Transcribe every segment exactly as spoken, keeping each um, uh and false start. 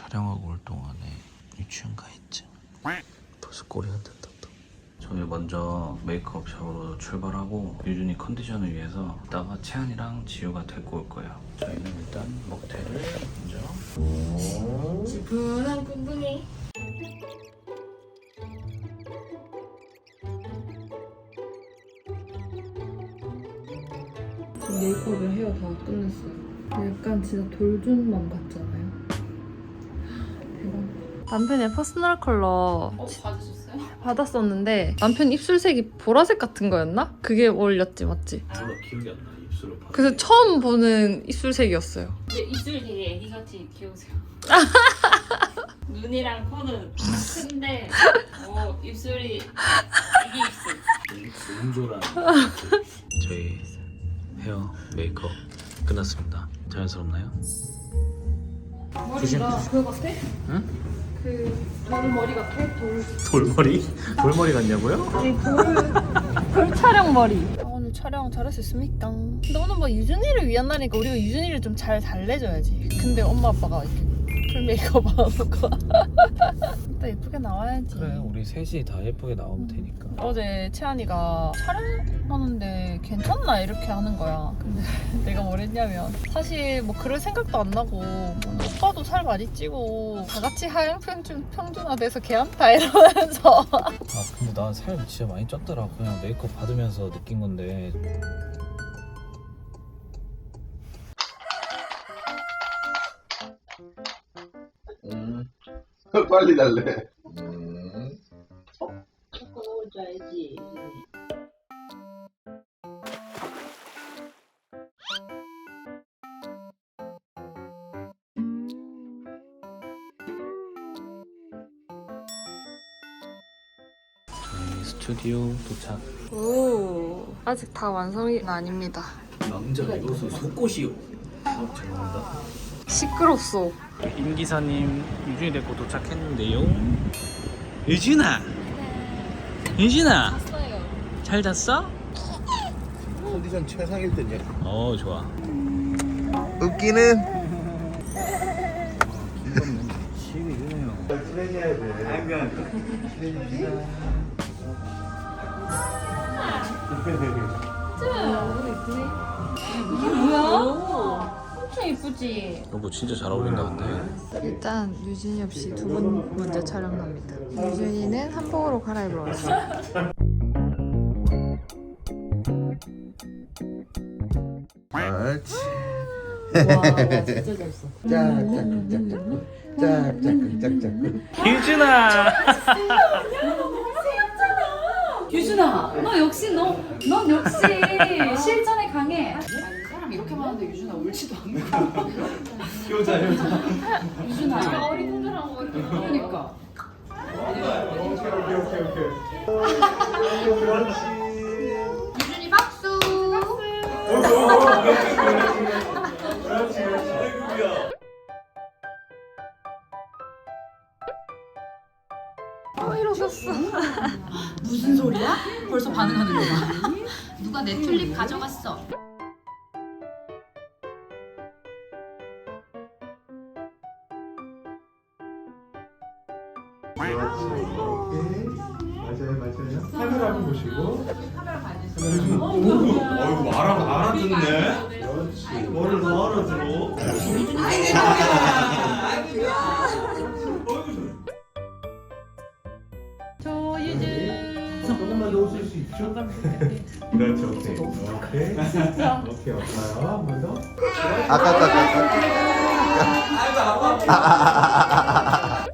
촬영하고 올 동안에 유치원 가 있지. 벌써 꼬리 흔든다 또. 저희 먼저 메이크업 샵으로 출발하고 유준이 컨디션을 위해서 이따가 채연이랑 지우가 데리고 올 거예요. 저희는 일단 먹태를 먼저. 지푸한 꿍꿍이. 지금 메이크업이랑 헤어 다 끝냈어요. 약간 진짜 돌준맘 같잖아요. 대박. 남편의 퍼스널 컬러 어, 받으셨어요? 받았었는데 남편 입술색이 보라색 같은 거였나? 그게 어울렸지, 맞지? 몰라 기억이 안 나. 입술을 봐. 그래서 처음 보는 입술색이었어요. 근데 입술 되게 애기같이 귀여우세요. 눈이랑 코는 큰데 어, 입술이 애기 입술. 웅졸한. 저희 헤어 메이크업 끝났습니다. 자연스럽나요? 머리가 그거 같아? 응? 그 돌머리 같아? 돌. 돌머리? 돌머리 같냐고요? 아니 돌. 돌 촬영 머리. 아, 오늘 촬영 잘할 수 있습니까? 근데 오늘 뭐 유준이를 위한 날이니까 우리가 유준이를 좀 잘 달래줘야지. 근데 엄마 아빠가 이렇게 풀 메이크업 안 하고 일단 예쁘게 나와야지. 그래 우리 셋이 다 예쁘게 나오면 되니까. 어제 채안이가 촬영하는데 괜찮나 이렇게 하는 거야. 근데 내가 뭘 했냐면 사실 뭐 그럴 생각도 안 나고 뭐 오빠도 살 많이 찌고 다 같이 하얀 평준, 평준화돼서 괜찮다 이러면서 아 근데 나 살 진짜 많이 쪘더라. 그냥 메이크업 받으면서 느낀 건데. 음. 빨리 달래. 음. 자꾸 넣어줘야지. 저희 스튜디오 도착. 오 아직 다 완성이 아닙니다. 남자 이것은 속옷이요. 아 죄송합니다. 시끄럽소. 임 기사님 유준이 데리고 도착했는데요. 유준아. 유준아. 잘 잤어? 컨디션 최상일 때냐? 어 좋아. 웃기는. 시위 이러네요. 친해져야 돼. 이게 뭐야? 엄청 예쁘지? 여보 진짜 잘 어울린다 근데. 일단 유준이 없이 두 분 먼저 촬영합니다. 유준이는 한복으로 갈아입으러 왔어요. 그렇지. 와 진짜 잘했어. 짝짝짝짝. 짝짝짝짝. 유준아. 유준아, 너 역시 너, 넌 역시 실전에 강해. 아니, 사람 이렇게 많은데 유준아 울지도 않고. 효자 효자. 유준아, 어리둥절한 거 그러니까. 오케이 오케이 오케이 오케이. 그렇지. 유준이 박수. 그렇지 그렇지. 어 이러셨어. 무슨 소리야? 벌써 반응하는 거야. 누가 내 튤립 가져갔어? 그렇지. 오케이. 맞아요 맞아요. 카메라 한번 보시고. 카메라 봐야 돼. 어이구 알아 알아듣네. 그렇지. 뭐를 더 알아들어? 저 유준. 조금만 더 웃을 수 있죠? 그렇죠. 오케이. 오케이. 오케이. 없어요. 한 번 더. 아까 아까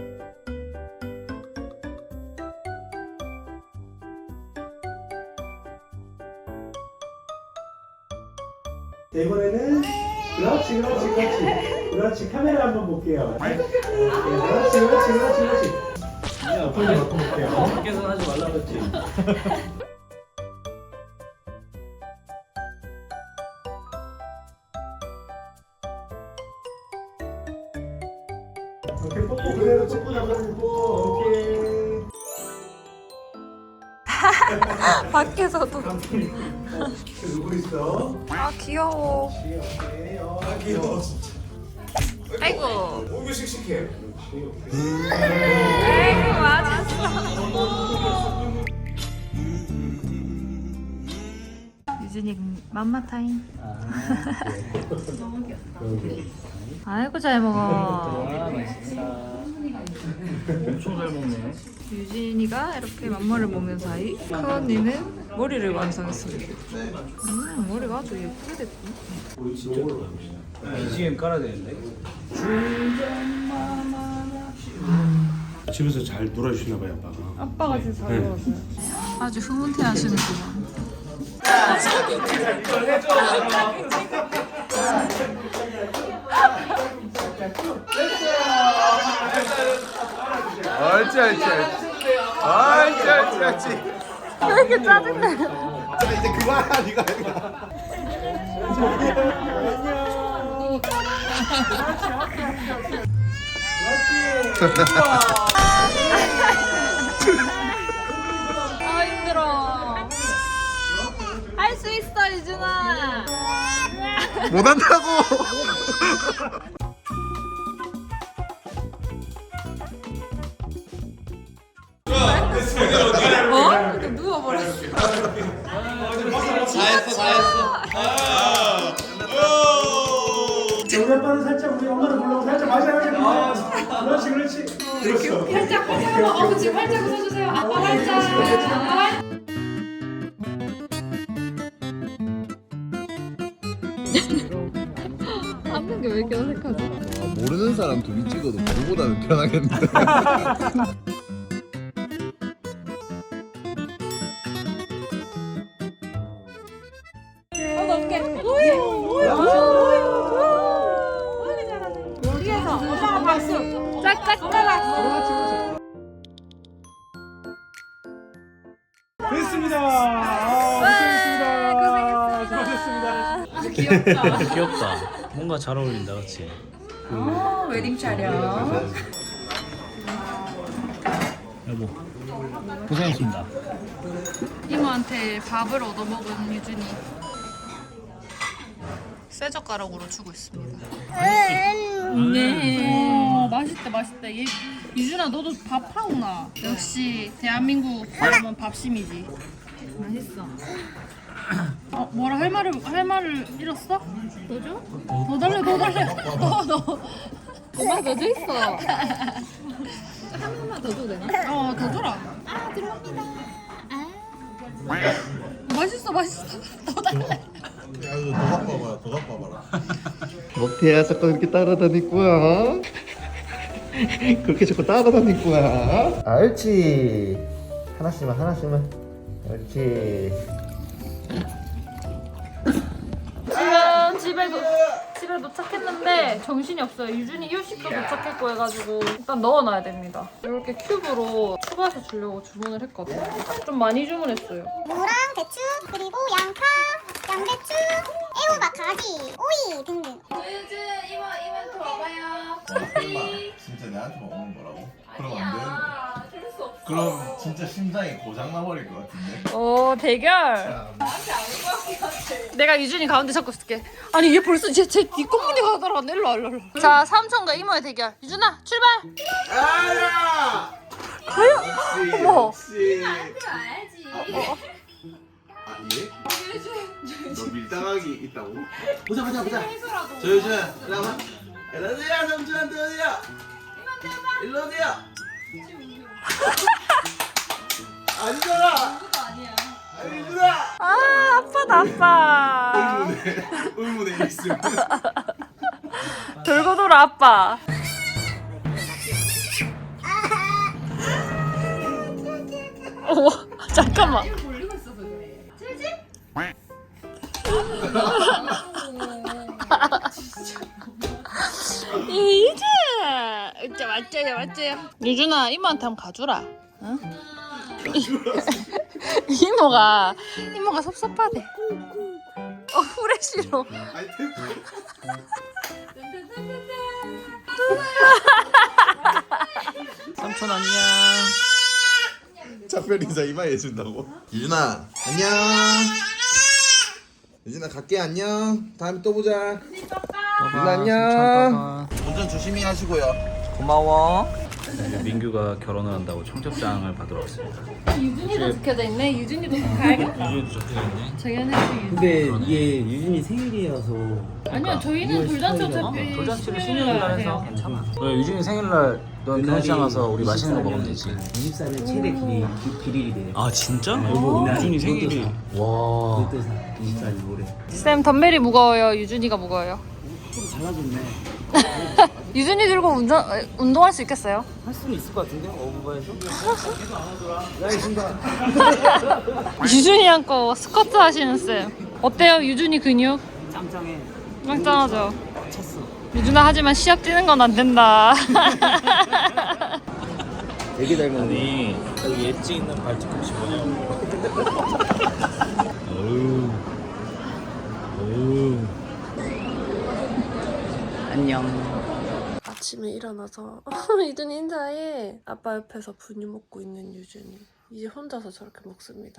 이번에는 그렇지 그렇지 그렇지 그렇지 카메라 한번 볼게요. 오케이, 그렇지 그렇지 그렇지 그렇지. 앞으로 바꿔볼게요. 밖에서 하지 말라 그랬지. 오케이 뽀뽀 그대로 뽀뽀 나가는 뽀. 오케이. 밖에서도. 누구 있어? 아 귀여워. 오케이. 어, 귀여워 진짜. 아이고. 오, 이거 씩씩해. 아이고 맞았어. 유진이 맘마 타임. 너무 귀엽다. 아이고 잘 먹어. 아 맛있어. 엄청 잘 먹네. 유진이가 이렇게 맘마를 먹는 사이 큰 언니는 머리를 완성했습니다. 음 머리가 아주 예쁘게 됐고. 비지엠 깔아야 되는데. 집에서 잘 놀아주시나 봐요, 아빠가. 아빠가 진짜 잘 먹었어요. 아주 흐뭇해하시는구만. 옳지 옳지 옳지 옳지 옳지 옳지 왜 이렇게 짜증나? 자 이제 그만하 니가 아 힘들어. 할 수 있어 유준아. 못한다고 어? 이렇게 누워버렸어. 우리 아빠는 살짝 우리 엄마를 불러고 살짝 맞아 맞아. 그렇지 그렇지. 그렇죠. 활짝 활짝 한번 아버지 활짝 웃어주세요. 아빠 활짝. 앉는 게 왜 이렇게 어색하지? 모르는 사람 둘이 찍어도 그거보다는 편하겠는데 됐습니다. 아, 고생했습니다. 수고하셨습니다. 귀엽다. 뭔가 잘 어울린다, 그렇지? 어, 웨딩 촬영. 여보, 고생했습니다. 이모한테 밥을 얻어먹은 유준이 쇠 젓가락으로 주고 있습니다. 네. 맛있다 맛있다. 얘, 유준아 너도 밥 하구나. 역시 대한민국 사람은 밥심이지. 맛있어. 어 뭐라 할 말을 할 말을 잃었어? 더 줘? 더 달래 더 달래. 더 더. 엄마 더 줘 있어. 한 번만 더 줘도 되나? 어 더 줘라. 아 들어갑니다. 아. 맛있어 맛있어. 더 달래. 야 이거 더 바꿔봐라 더 바꿔봐라 못해야 자꾸 이렇게 따라다닐 거야 그렇게 자꾸 따라다닐 거야 옳지 하나씩만 하나씩만 옳지 지금 집에 도, 집에 도착했는데 정신이 없어요. 유준이 일식도 도착했고 해가지고 일단 넣어놔야 됩니다. 이렇게 큐브로 추가해서 주려고 주문을 했거든요. 좀 많이 주문했어요. 무랑 대추 그리고 양파, 양배추, 애호박, 가지, 오이 등등. 유준 이모 이모한테 와봐요. 설마 진짜 내한테만 오는 거라고? 그럼 안 되는데 그럴 수 없어. 그럼 진짜 심장이 고장 나버릴 것 같은데 오 대결. 내가 유준이 가운데 잡고 있을게. 아니 얘 벌써 쟤쟤 뒷공문이 가더라. 일로 와 일로 와. 자 삼촌과 이모의 대결. 유준아 출발. 아야 과연? 어머. 역시 알지. 아 예? 너 밀당하기 있다고? 보자 보자 보자 저 요즘 일로 와봐 일로 오세요 삼촌한테 오세요 일로 오세요 아니잖아 아니잖아 아 아빠다 아빠. 의문의 의문의 있음 돌고 돌아 아빠. 어 잠깐만. 유준, 진짜 맞죠요, 맞죠요. 유준아, 이모한테 한번 가주라. 응? 이모가 이모가 섭섭하대. 어, 후레쉬로. 아니 테이프 삼촌 안녕. 작별 인사 이마에 해준다고? 유준아 안녕 유준아 갈게 안녕 다음에 또 보자 또 봐, 안녕. 삼촌 또 봐. 운전 조심히 하시고요. 고마워. 민규가 결혼을 한다고 청첩장을 받으러 왔습니다. 유준이도 적혀져 있네. 유준이도 가야겠다. 유준이도 적혀있네. 저희는 유준. 근데 이게 유준이 생일이어서 아니요, 저희는 돌잔치 십팔 일. 어차피 돌잔치를 십육 일 날 해요. 괜찮아. 그래 유준이 생일날 넌 결혼식 가서 우리 맛있는 거 먹으면 되지. 이십사 년 최대 길이 기- 길이래요. 아 진짜? 여보, 유준이 생일이. 와. 그때사 이십사 년 올해. 쌤 덤벨이 무거워요. 유준이가 무거워요. 좀 달라졌네. 유준이 들고 운전 어, 운동할 수 있겠어요? 할 수는 있을 것 같은데 어부바에서. 유준이랑 거 스쿼트 하시는 쌤. 어때요, 유준이 근육? 짱짱해. 짱짱하죠. 찼어. 유준아 하지만 시합 뛰는 건 안 된다. 되게 닮았네. 아니 그 엣지 있는 발뒤꿈치 뭐냐고. 어우. 어우. 안녕. 아침에 일어나서 유준이 인사해. 아빠 옆에서 분유 먹고 있는 유준이 이제 혼자서 저렇게 먹습니다.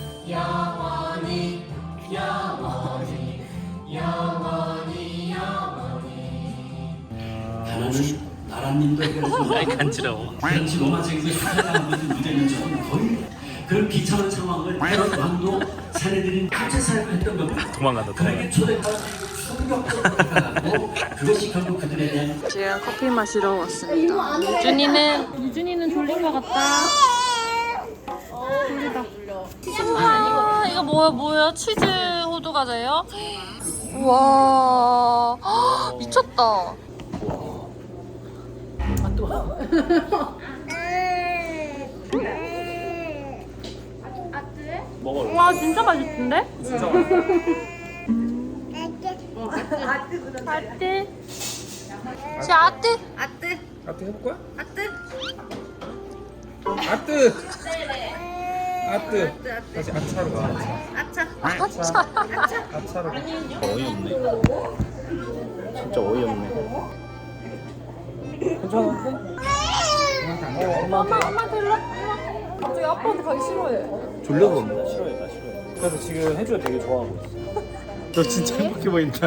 영원히 영원히 영원히 영원히 나라님도 해가지고 아이 간지러워. 당시 로마적인 사회가 무슨 문제는 저는 거의 그런 비참한 상황을 헤롯 왕도 사내들이 합체사를 했던 겁니다. 도망간다 그에게 초대받아서 충격적으로 다가가고 그것이 결국 그들에 대한 지금 커피 마시러 왔습니다. 유준이는 유준이는 졸린 것 같다. 졸리다. 와, 이거 뭐야 뭐야? 치즈 호두 과자예요? 와, 미쳤다. 먹어. 와, 진짜 맛있던데? 진짜 아뜨. 자, 아뜨. 아뜨 해볼 거야? 아뜨 아뜨 아뜨 다시 아차로 가 아차. 아차로 가. 어이없네. 진짜 어이없네. 괜찮은데? 엄마, 엄마한테 일로. 엄마. 갑자기 아빠한테 가기 싫어해. 졸려서 온다. 싫어해 나 싫어해. 그래서 지금 혜주가 되게 좋아하고 있어. 너 진짜 행복해 보인다.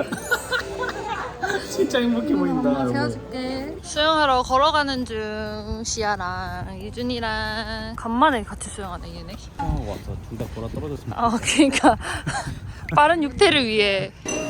진짜 행복해 보인다. 재워줄게. 수영하러 걸어가는 중 시아랑 유준이랑 간만에 같이 수영하네 얘네. 수영하고 와서 둘 다 보라 떨어졌으면. 아 그러니까 빠른 육퇴를 위해.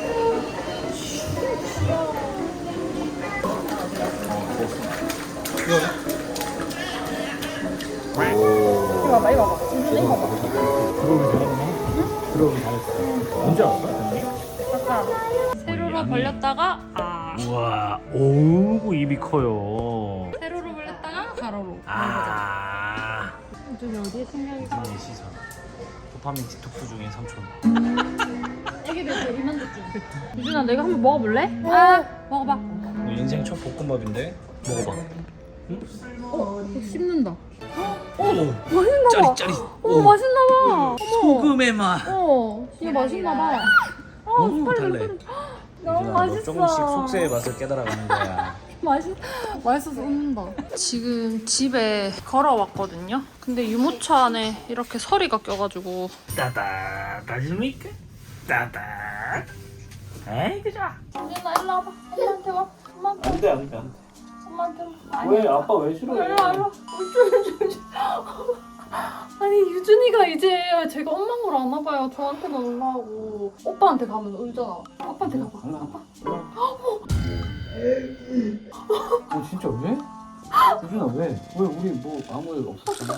들어오기 잘했어. 언제 왔어? 세로로 벌렸다가 아. 우와. 오구 입이 커요. 세로로 벌렸다가 가로로. 아. 유준이 어디에 생각이? 유준이의 시선. 도파민 디톡스 중인 삼촌. 애기들 제일 만족중. 유준아 내가 한번 먹어볼래? 아 먹어봐. 너 인생 첫 볶음밥인데 먹어봐. 어 씹는다. 오. 맛있나 봐. 짜릿짜릿. 어 맛있나 봐. 어머. 소금의 맛. 어 진짜 맛있나 봐. 너무 달래. 너무 유준아, 너 맛있어. 조금씩 속세의 맛을 깨달아가는 거야. 맛있 맛있어서 웃는다. 지금 집에 걸어왔거든요. 근데 유모차 안에 이렇게 서리가 껴가지고. 따다 다십니까? 따다. 에이 그자. 유준아 일로 와봐. 엄마한테 와. 엄마한테. 안돼 안돼 안돼. 엄마한테 와. 왜 아빠 왜 싫어해? 일로 와 일로 와. 아니 유준이가 이제 제가 엄마를 안 와봐요. 저한테만 올라오고 오빠한테 가면 울잖아. 아빠한테 가봐. 아빠. 어 진짜 왜? 유준아 왜? 왜 우리 뭐 아무 일 없었잖아.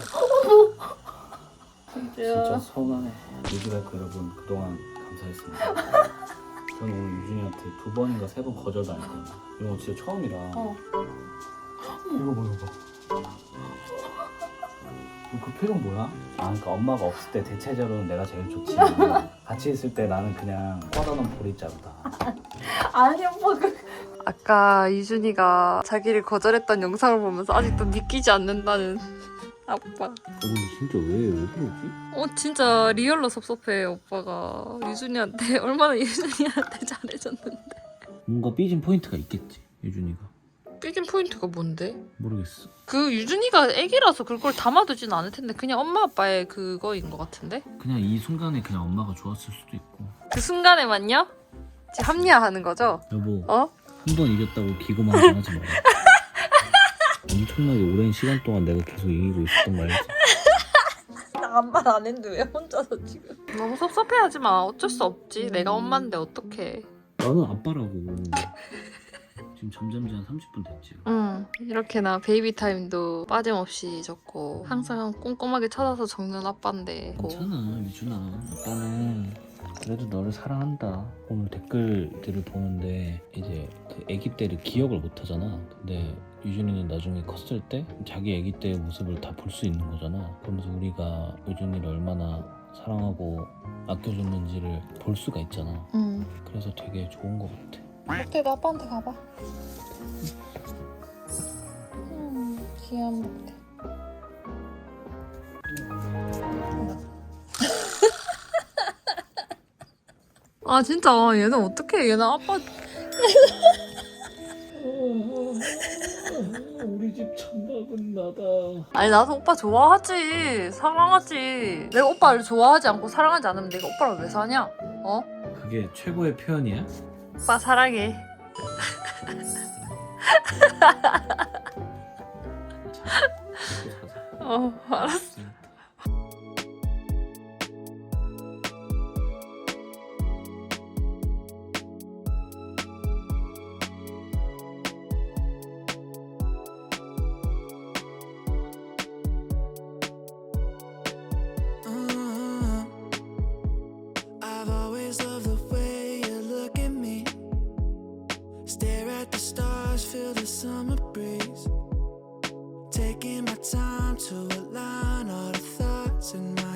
진짜 서운하네. 유주라이크 여러분 그동안 감사했습니다. 저는 오늘 유준이한테 두 번인가 세 번 거절당했거든요. 이거 진짜 처음이라. 어. 이거 봐 이거 봐. 그 표정 뭐야? 아 그러니까 엄마가 없을 때 대체적으로는 내가 제일 좋지. 같이 있을 때 나는 그냥 뻗어놓은 보리자루다. 아니 오빠 그. 아까 유준이가 자기를 거절했던 영상을 보면서 아직도 믿기지 않는다는 아빠. 어 근데 진짜 왜 왜 그러지? 어 진짜 리얼로 섭섭해 오빠가 유준이한테 얼마나 유준이한테 잘해줬는데. 뭔가 삐진 포인트가 있겠지 유준이가. 삐진 포인트가 뭔데? 모르겠어. 그 유준이가 애기라서 그걸 담아두진 않을 텐데 그냥 엄마 아빠의 그거인 것 같은데? 그냥 이 순간에 그냥 엄마가 좋았을 수도 있고. 그 순간에만요? 지금 합리화하는 거죠? 여보 어? 한 번 이겼다고 기고만장하지 마. 엄청나게 오랜 시간 동안 내가 계속 이기고 있었던 거 알지? 나 아무 말 안 했는데 왜 혼자서 지금. 너무 섭섭해하지 마. 어쩔 수 없지. 내가 엄마인데 어떡해. 나는 아빠라고. 지금 잠잠지 한 삼십 분 됐지. 응. 이렇게 나 베이비 타임도 빠짐없이 줬고 항상 꼼꼼하게 찾아서 적는 아빠인데. 괜찮아 유준아. 아빠는 그래도 너를 사랑한다. 오늘 댓글들을 보는데 이제 그 아기 때를 기억을 못 하잖아. 근데 유준이는 나중에 컸을 때 자기 아기 때의 모습을 다 볼 수 있는 거잖아. 그러면서 우리가 유준이를 얼마나 사랑하고 아껴줬는지를 볼 수가 있잖아. 응. 그래서 되게 좋은 것 같아. 목태 너 아빠한테 가봐. 음, 귀여운 목태. 아 진짜 얘는 어떡해. 얘는 아빠 우리 집 천막은 나다. 아니 나도 오빠 좋아하지. 사랑하지. 내가 오빠를 좋아하지 않고 사랑하지 않으면 내가 오빠랑 왜 사냐? 어? 그게 최고의 표현이야? 오빠 사랑해. 어 알았어. I've always loved the way you look at me. Stare at the stars, feel the summer breeze. Taking my time to align all the thoughts in my